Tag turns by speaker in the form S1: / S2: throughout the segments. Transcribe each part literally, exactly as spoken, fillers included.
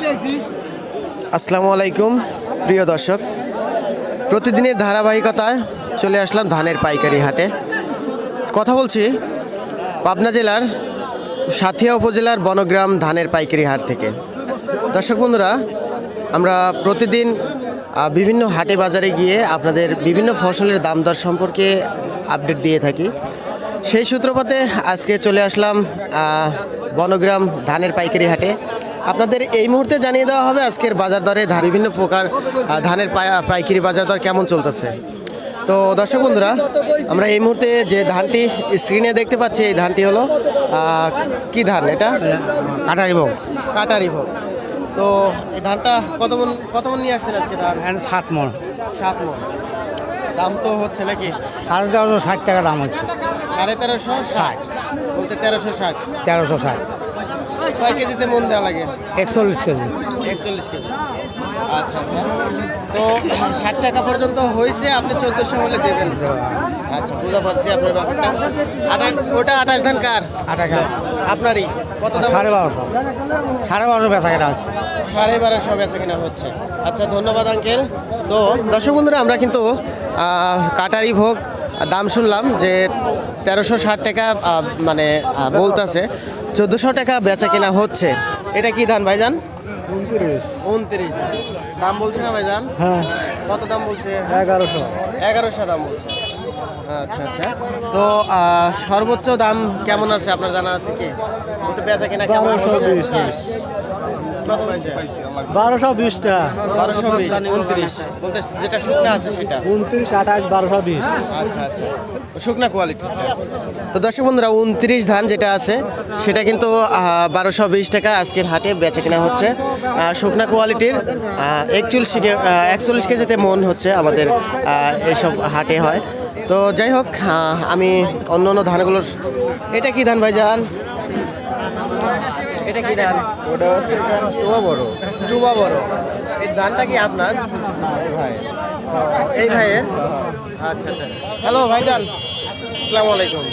S1: আসসালামু আলাইকুম প্রিয় দর্শক, প্রতিদিনের ধারাবাহিকতায় চলে আসলাম ধানের পাইকারি হাটে। কথা বলছি পাবনা জেলার সাথিয়া উপজেলার বনগ্রাম ধানের পাইকারি হাট থেকে। দর্শক বন্ধুরা, আমরা প্রতিদিন বিভিন্ন হাটে বাজারে গিয়ে আপনাদের বিভিন্ন ফসলের দাম দর সম্পর্কে আপডেট দিয়ে থাকি। সেই সূত্রপাতে আজকে চলে আসলাম বনগ্রাম ধানের পাইকারি হাটে। আপনাদের এই মুহূর্তে জানিয়ে দেওয়া হবে আজকের বাজার দরে বিভিন্ন প্রকার ধানের পাইকারি বাজার দর কেমন চলতেছে। তো দর্শক বন্ধুরা, আমরা এই মুহূর্তে যে ধানটি স্ক্রিনে দেখতে পাচ্ছি, এই ধানটি হলো কি ধান? এটা
S2: কাটারি ভোগ।
S1: কাটারি ভোগ। তো এই ধানটা কত মন কত মন নিয়ে আসছেন আজকে? ধান
S2: সাত মন।
S1: সাত মন দাম তো হচ্ছে নাকি?
S2: সাড়ে তেরোশো ষাট টাকা দাম হচ্ছে।
S1: সাড়ে তেরোশো ষাট বলতে তেরোশো ষাট
S2: তেরোশো ষাট।
S1: কয় কেজিতে মন দেওয়া লাগে?
S2: একচল্লিশ কেজি।
S1: একচল্লিশ কেজি। আচ্ছা আচ্ছা। তো ষাট টাকা পর্যন্ত হয়েছে, আপনি চোদ্দোশো হলে দেবেন। আচ্ছা, বুঝতে পারছি আপনার ব্যাপারটা। আঠাশ ওটা আঠাশ ধান কার?
S2: আটা
S1: আপনারই। কত দাম?
S2: সাড়ে বারোশো। সাড়ে বারোশো বেচা কেনা হচ্ছে।
S1: সাড়ে বারোশো বেচা কিনা হচ্ছে। আচ্ছা, ধন্যবাদ আঙ্কেল। তো দর্শক বন্ধুরা, আমরা কিন্তু কাটারি ভোগ দাম শুনলাম যে তেরোশো ষাট টাকা মানে বলতেছে, চোদ্দোশো টাকা বেচা কেনা হচ্ছে। এটা কি ধান ভাইজান?
S2: উনত্রিশ।
S1: উনত্রিশ দাম বলছে না ভাইজান?
S2: হ্যাঁ।
S1: কত দাম বলছে?
S2: এগারোশো।
S1: এগারোশো দাম বলছে। আচ্ছা আচ্ছা। তো সর্বোচ্চ দাম কেমন আছে আপনার জানা আছে কি? বলতে বেচা কেনা কেমন হচ্ছে? কত হয়েছে?
S2: বারোশো বিশটা।
S1: বারোশো বিশ। উনত্রিশ বলতে যেটা শুকনা আছে সেটা?
S2: উনত্রিশ, আঠাশ, বারোশো বিশ।
S1: আচ্ছা আচ্ছা, শুকনা কোয়ালিটিটা। তো দর্শক বন্ধুরা, উনত্রিশ ধান যেটা আছে সেটা কিন্তু বারোশো বিশ টাকা আজকের হাটে বেচা কেনা হচ্ছে। শুকনা কোয়ালিটির একচল্লিশ একচল্লিশ কেজিতে মন হচ্ছে আমাদের এইসব হাটে হয়। তো যাই হোক, আমি অন্য অন্য ধানগুলোর। এটা কি ধান ভাইজান? এটা কি ধান?
S2: ওটা হচ্ছে টুবা বড়।
S1: টুবা বড়। এই ধানটা কি আপনার ভাই? এই ভাইয়ের? আচ্ছা আচ্ছা। হ্যালো ভাইজান, আসসালামু আলাইকুম।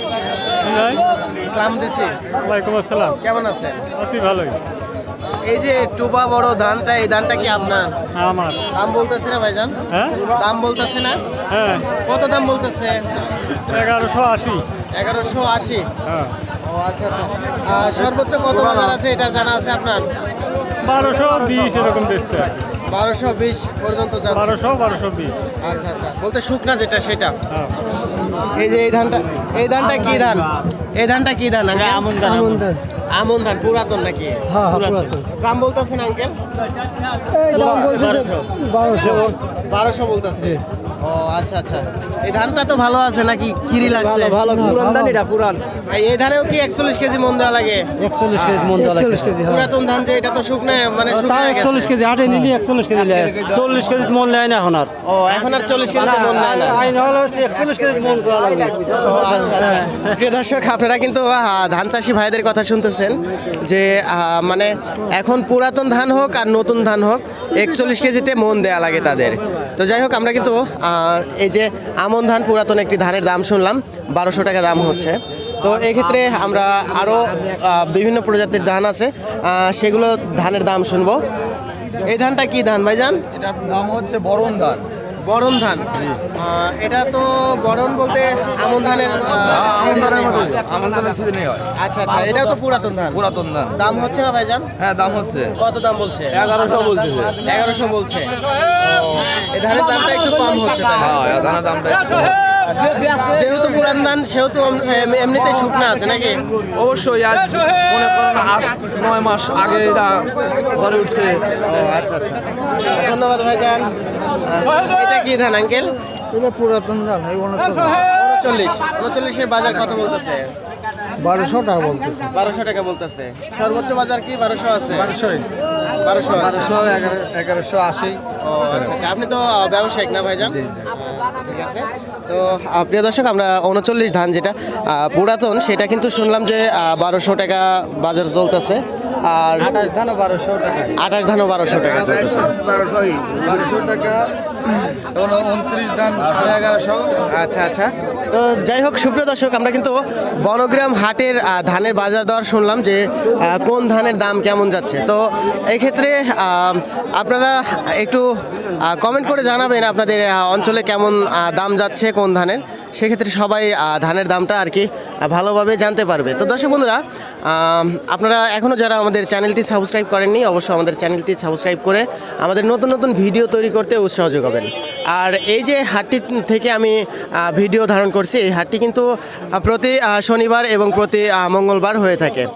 S1: ইসলাম দিছি।
S2: ওয়ালাইকুম আসসালাম।
S1: কেমন আছেন?
S2: আছি ভালোই।
S1: এই যে টুবা বড় ধানটা, এই ধানটা কি আপনার?
S2: আমার।
S1: দাম বলতেছে না ভাইজান?
S2: হ্যাঁ,
S1: দাম বলতেছে না?
S2: হ্যাঁ।
S1: কত দাম বলতেছে?
S2: এগারোশো আশি।
S1: এগারোশো আশি।
S2: হ্যাঁ।
S1: ও আচ্ছা আচ্ছা। সর্বোচ্চ কত বাজার আছে এটা জানা আছে আপনার?
S2: বারোশো বিশ এরকম দিচ্ছে।
S1: বারোশো বিশ পর্যন্ত যাচ্ছে।
S2: বারোশো বারোশো বিশ।
S1: আচ্ছা আচ্ছা। বলতে শুকনা যেটা সেটা?
S2: হ্যাঁ।
S1: এই যে এই ধানটা, এই ধানটা কি ধান? এই ধানটা কি ধান?
S2: আমন ধান। আমন ধান।
S1: আমন ধান পুরাতন নাকি?
S2: হ্যাঁ, পুরাতন।
S1: দাম বলতেছেন আঙ্কেল?
S2: দাম বলছে বারোশো।
S1: বারোশো বলতেছে। ও আচ্ছা আচ্ছা। এই ধানটা তো ভালো আছে নাকি কিরি লাগছে?
S2: ভালো পুরান ধান, এটা পুরান।
S1: এই ধানেও কি একচল্লিশ কেজি মন দেওয়া লাগে?
S2: একচল্লিশ কেজি মন দেওয়া লাগে।
S1: পুরাতন ধান যে, এটা তো শুকনো মানে
S2: তাও একচল্লিশ কেজি হাটে নিলি একচল্লিশ কেজি নেয়। চল্লিশ কেজি মন নেয় না এখন আর।
S1: ও এখন আর চল্লিশ কেজি মন নেয় না?
S2: আইন হলো একচল্লিশ কেজি মন করা লাগবে।
S1: ও আচ্ছা আচ্ছা। প্রিয় দর্শক, আপনারা কিন্তু ধান চাষি ভাইদের কথা শুনতেছেন যে মানে এখন পুরাতন ধান হোক আর নতুন ধান হোক, একচল্লিশ কেজিতে মন দেওয়া লাগে তাদের। তো যাই হোক, আমরা কিন্তু এই যে আমন ধান পুরাতন একটি ধানের দাম শুনলাম, বারোশো টাকা দাম হচ্ছে। তো এক্ষেত্রে আমরা আরও বিভিন্ন প্রজাতির ধান আছে, সেগুলো ধানের দাম শুনবো। এই ধানটা কি ধান ভাইজান?
S3: এটার নাম হচ্ছে বরণ ধান।
S1: বরণ ধান। এটা তো বরণ বলতে আমন ধানের
S3: আমন ধানের মতো, আমন ধানের সিজনে হয়।
S1: আচ্ছা আচ্ছা। এটাও তো পুরাতন ধান।
S3: পুরাতন ধান।
S1: দাম হচ্ছে না ভাইজান?
S3: হ্যাঁ, দাম হচ্ছে।
S1: কত দাম বলছে?
S3: এগারোশো বলতেছে।
S1: এগারোশো বলছে। এই ধানের দামটা একটু কম হচ্ছে তাহলে।
S3: হ্যাঁ, এই ধানের দামটা একটু।
S1: আচ্ছা, যেহেতু পুরান ধান সেহেতু এমনিতে শুকনা আছে নাকি?
S3: অবশ্যই আজ মনে করেন আট নয় মাস আগে এটা ঘরে উঠছে।
S1: ও আচ্ছা আচ্ছা। ধন্যবাদ ভাইজান। এটা কি ধান আঙ্কেল?
S2: এটা পুরাতন ধান।
S1: উনচল্লিশ। উনচল্লিশের বাজার কত বলতেছে?
S2: বারোশো টাকা বলতেছে।
S1: বারোশো টাকা বলতেছে। সর্বোচ্চ বাজার কি বারোশো আছে?
S2: বারোশোই।
S1: বারোশো
S2: বারোশো এগারো এগারোশো আশি।
S1: ও আচ্ছা আচ্ছা। আপনি তো ব্যবসায়িক না ভাইজান? ঠিক আছে। তো প্রিয় দর্শক, আমরা উনচল্লিশ ধান যেটা পুরাতন, সেটা কিন্তু শুনলাম যে বারোশো টাকা বাজার চলতেছে। আর
S2: আঠাশ ধানও বারোশো টাকা।
S1: আঠাশ ধানও বারোশো টাকা চলতেছে।
S2: বারোশো টাকা। উনত্রিশ ধান সাড়ে এগারোশো।
S1: আচ্ছা আচ্ছা। তো যাই হোক সুপ্রিয় দর্শক, আমরা কিন্তু বনগ্রাম হাটের আহ, ধানের বাজার দর শুনলাম যে আহ, কোন ধানের দাম কেমন যাচ্ছে। তো এই ক্ষেত্রে আহ, আপনারা একটু কমেন্ট করে জানাবেন আপনাদের আহ, অঞ্চলে কেমন আহ, দাম যাচ্ছে কোন ধানের। সেক্ষেত্রে সবাই আহ, ধানের দামটা আর কি আহ, ভালোভাবে জানতে পারবে। তো দর্শক বন্ধুরা, আহ, আপনারা এখনও যারা আমাদের চ্যানেলটি সাবস্ক্রাইব করেননি, অবশ্যই আমাদের চ্যানেলটি সাবস্ক্রাইব করে আমাদের নতুন নতুন ভিডিও তৈরি করতে উৎসাহ যোগাবেন। আর এই যে হাটটি থেকে আমি আহ, ভিডিও ধারণ করছি, এই হাটটি কিন্তু আহ, প্রতি আহ, শনিবার এবং প্রতি আহ, মঙ্গলবার হয়ে থাকে।